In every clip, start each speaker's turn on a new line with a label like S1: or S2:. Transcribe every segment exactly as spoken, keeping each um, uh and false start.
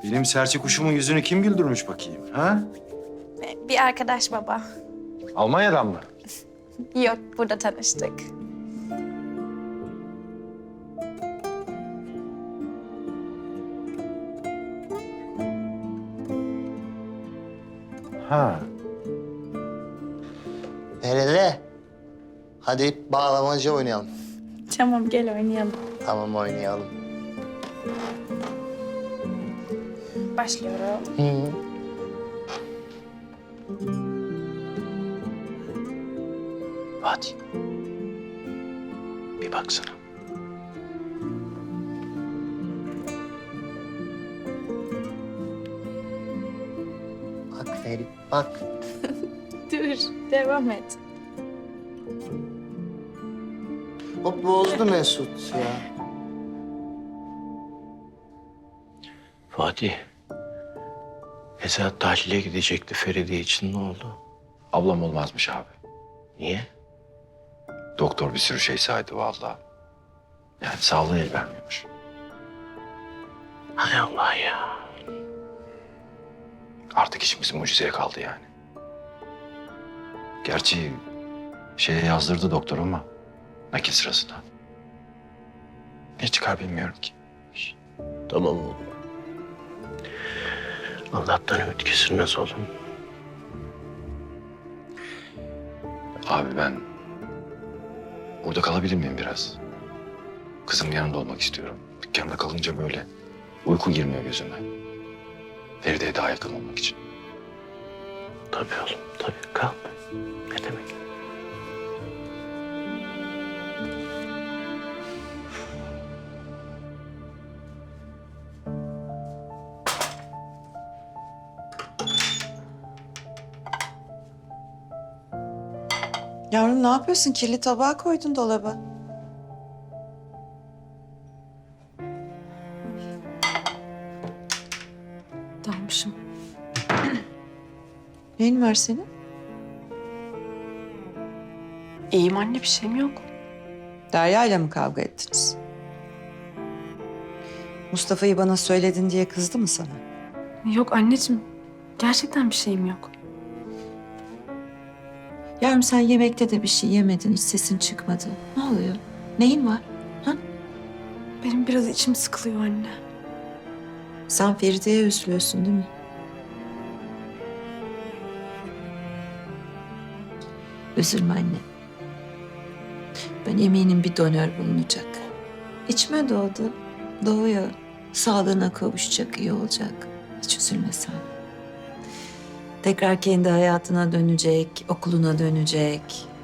S1: Benim serçe kuşumun yüzünü kim güldürmüş bakayım, ha?
S2: Bir arkadaş baba.
S1: Almanya'dan mı?
S2: Yok, burada tanıştık.
S1: Ha.
S3: Nerede? Hadi bağlamacı oynayalım.
S2: Tamam, gel oynayalım.
S3: Tamam oynayalım.
S2: Başlıyorum.
S3: Hı.
S1: Hadi. Bir baksana.
S3: Bak Ferit bak.
S2: Dur, devam et.
S3: O bozdu Mesut ya.
S4: Fatih. Esat tahlile gidecekti Feride için, ne oldu?
S1: Ablam olmazmış abi.
S4: Niye?
S1: Doktor bir sürü şey saydı vallahi. Yani sağlığı el vermiyormuş.
S4: Hay Allah ya.
S1: Artık işimiz mucizeye kaldı yani. Gerçi şeye yazdırdı doktor ama nakil sırasında. Ne çıkar bilmiyorum ki.
S4: Tamam oğlum. Allah'tan ümit kesilmez oğlum.
S1: Abi ben burada kalabilir miyim biraz? Kızım yanında olmak istiyorum. Dükkanda kalınca böyle uyku girmiyor gözüme. Feride'ye daha yakın olmak için.
S4: Tabii oğlum, tabii. Kal. Ne demek?
S5: Yavrum ne yapıyorsun? Kirli tabağı koydun dolaba.
S6: Dalmışım.
S5: Neyin var senin?
S6: İyiyim anne, bir şeyim yok.
S5: Derya ile mi kavga ettiniz? Mustafa'yı bana söyledin diye kızdı mı sana?
S6: Yok anneciğim, gerçekten bir şeyim yok.
S5: Yavrum sen yemekte de bir şey yemedin, hiç sesin çıkmadı. Ne oluyor? Neyin var? Ha?
S6: Benim biraz içim sıkılıyor anne.
S5: Sen Feride'ye üzülüyorsun değil mi? Üzülme anne. Ben eminim bir donör bulunacak. İçime doğdu. Doğuyor. Sağlığına kavuşacak, iyi olacak. Hiç üzülme sen. Tekrar kendi hayatına dönecek, okuluna dönecek.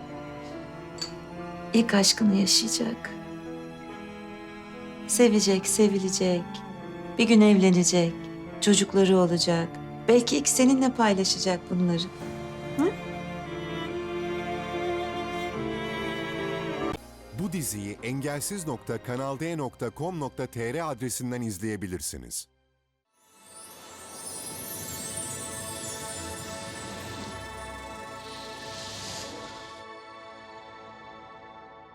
S5: İlk aşkını yaşayacak. Sevecek, sevilecek. Bir gün evlenecek. Çocukları olacak. Belki ilk seninle paylaşacak bunları.
S7: Bu diziyi engelsiz nokta kanal d nokta com nokta tr adresinden izleyebilirsiniz.